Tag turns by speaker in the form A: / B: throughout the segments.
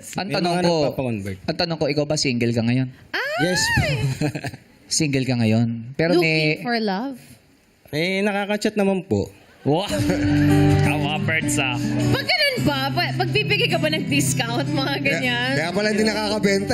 A: Ang
B: May
A: tanong
B: mga
A: ko,
B: nagpapakonvert.
A: ang tanong ko, ikaw ba single ka ngayon?
B: Yes.
A: Single ka ngayon. Pero
C: Looking for love.
B: Nakaka-chat naman po.
A: Wow! Kawapers ah.
C: Pag ganun ba? Magbibigay ka ba ng discount, mga ganyan?
D: Kaya pala hindi nakakabenta.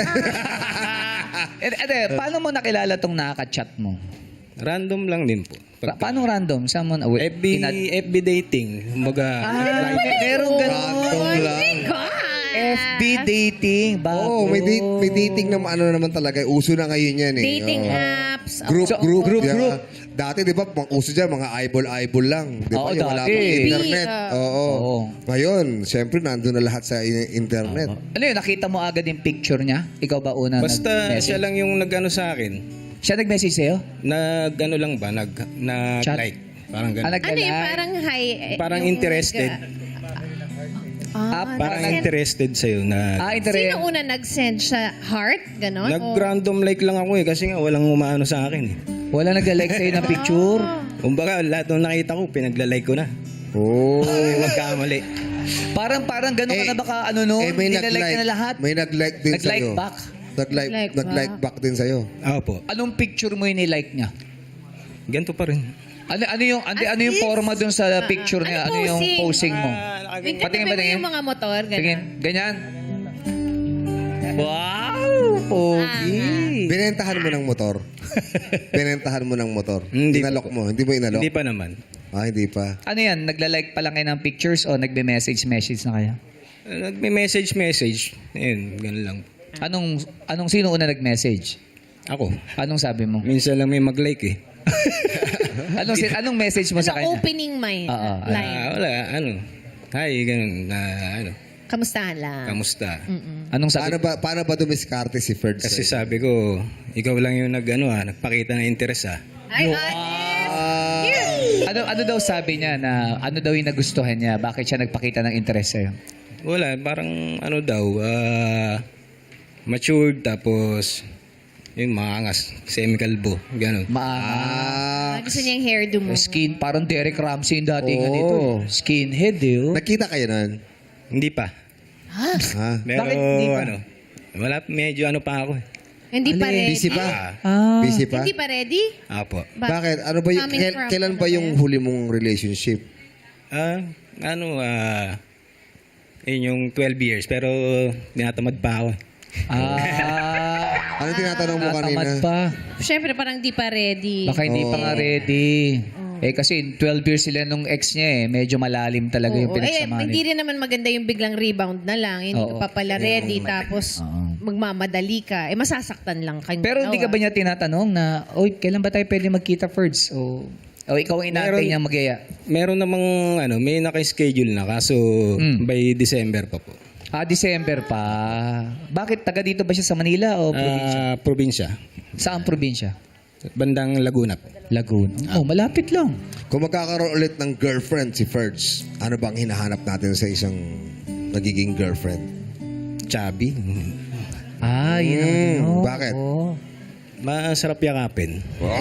A: Paano mo nakilala tong nakaka-chat mo?
B: Random lang din po.
A: Paano random? Someone,
B: FB dating. Kumbaga,
A: meron ganun.
D: Random lang.
C: God!
A: FB dating. Bago.
D: Oo, may dating na ano naman talaga. Uso na ngayon yan eh.
C: Dating
D: Oo.
C: apps.
D: Group,
A: So,
D: group,
A: group,
D: yeah.
A: group.
D: Dati, di ba, uso dyan, mga eyeball lang. Di ba,
A: Oo,
D: yung wala
A: dati.
D: pang internet. Oo.
A: Oo.
D: Ngayon, siyempre, nandun na lahat sa internet.
A: Ano yun? Nakita mo agad yung picture niya? Ikaw ba una
B: basta
A: nag-message?
B: siya lang yung nag-ano sa akin.
A: Siya nag-message sa'yo?
B: Nag-ano lang ba?
A: Chat?
B: Nag-like. Parang
A: Ah,
B: gano'n.
C: Ano yung parang high?
B: Parang
C: yung
B: interested. Parang
C: nag-send.
B: interested sa'yo na...
C: Sino una nag-send siya? Heart? Ganon?
B: Nag-random like lang ako eh. Kasi nga walang umaano sa akin eh.
A: Wala nag-like sa'yo ng picture?
B: Kumbaga, lahat ng nakita ko, pinagla-like ko na.
D: Oo.
B: Ay, magkamali.
A: Parang gano'n ka na baka ano no?
D: may
A: Nilalike ka na lahat?
D: May nag-like din
A: Nag-like
D: sa'yo.
A: back?
D: Nag-like back din sa'yo.
B: Opo.
A: Anong picture mo yung nilike niya?
B: Ganito pa rin.
A: Ano yung forma dun sa picture niya? Ano yung posing mo?
C: Tingnan
A: Patingin,
C: mo
A: patingin.
C: yung mga motor. Ganon.
A: Tingin, ganyan. Wow! Pogi!
D: Binentahan mo ng motor. Binentahan mo ng motor.
B: Hindi
D: Inalok mo. Hindi mo inalok?
B: Hindi pa naman.
D: Hindi pa.
A: Ano yan? Nagla-like pa lang kayo ng pictures o nagbe-message na kayo?
B: Nagme-message. Ayun, ganun lang.
A: Sino una nag-message?
B: Ako.
A: Anong sabi mo?
B: Minsan lang may mag-like eh.
A: Anong message mo sa
C: Ano
A: kanya?
C: opening may
A: Oo,
C: line?
B: Wala, Hi, ganun.
C: Kamustahan lang.
B: Kamusta?
A: Anong sabi?
D: Paano ba dumiskarte si Ferd?
B: Kasi sabi ko, ikaw lang yung nagpakita ng interest ah.
C: Ay,
A: Ano daw sabi niya na ano daw yung nagustuhan niya? Bakit siya nagpakita ng interest sa'yo?
B: Wala, parang matured tapos yung maangas, semi-kalbo, ganun.
C: gusto niya yung hairdo mo.
A: Skin, parang Derek Ramsey yung datingan
D: Oo.
A: nito. Skinhead eh. Oh.
D: Nakita kayo nun?
B: Hindi pa.
D: Ha?
B: Pero
A: Bakit hindi pa?
B: wala, medyo pa ako eh.
C: Hindi pa ready.
D: Busy pa?
A: Ah.
D: Busy pa?
C: Hindi pa ready?
B: Apo.
D: Bakit? Ano ba yung,
C: Coming from
D: kailan ba yung huli mong relationship?
B: Yun yung 12 years, pero tinatamad pa ako eh.
D: Ano tinatanong mo kanina?
A: Natamad pa.
C: Siyempre, parang di pa ready.
A: Baka hindi pa nga ready. Kasi 12 years sila nung ex niya eh. Medyo malalim talaga yung pinagsamahan.
C: Hindi rin naman maganda yung biglang rebound na lang. Hindi
A: Oo.
C: ka pa pala ready. Tapos, magmamadali ka. Masasaktan lang kayo.
A: Pero hindi ka ba niya tinatanong na, oy, kailan ba tayo pwede magkita first? O ikaw ang inaantay niya magyaya?
B: Meron namang may naka-schedule na kaso by December pa po.
A: December pa. Bakit? Taga dito ba siya sa Manila o probinsya?
B: Probinsya.
A: Saan probinsya?
B: Bandang Laguna po.
A: Laguna. Malapit lang.
D: Kung magkakaroon ulit ng girlfriend si Ferds, ano bang hinahanap natin sa isang nagiging girlfriend?
B: Chubby.
A: Yun ang ano.
D: Bakit?
A: Oo.
B: Masarap yakapin.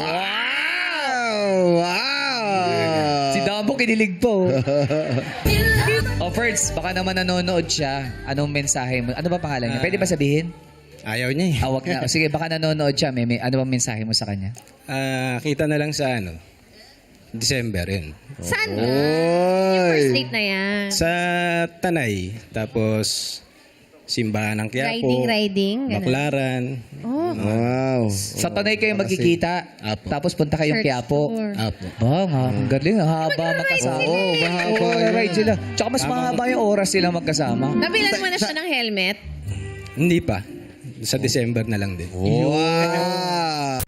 D: Wow!
A: Si Damo kinilig po. Ferds, baka naman nanonood siya. Anong mensahe mo? Ano ba pangalan niya? Pwede ba sabihin?
B: Ayaw niya eh.
A: Wag na. Sige, baka nanonood siya. Ano bang mensahe mo sa kanya?
B: Kita na lang sa December yun.
C: Saan ba? Yung first date na yan.
B: Sa Tanay. Tapos Simbahan ng Quiapo.
C: Riding. Ganun.
B: Baklaran.
C: Oh.
D: Wow.
A: Sa Tanay kayo magkikita.
B: Apo.
A: Tapos punta kayong
C: Church
A: Quiapo.
C: tour.
B: Apo.
A: Ang galing. Haba magkasama.
D: mahaba yun.
A: Ride sila. Tsaka mas mahaba yung oras sila magkasama.
C: Nabilan mo na siya ng helmet?
B: Hindi pa. Sa December na lang din.
D: Wow!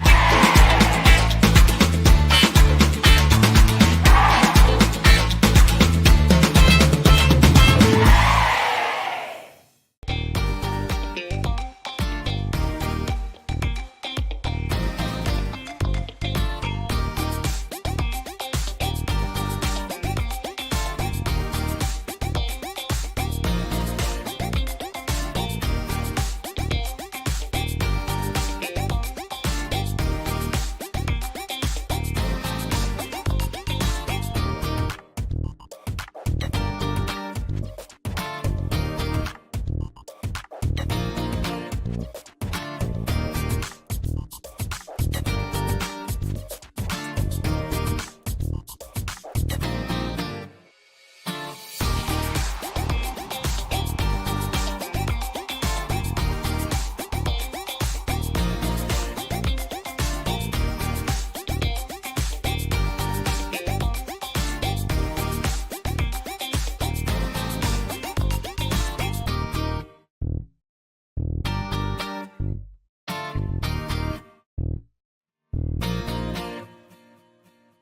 A: Ito.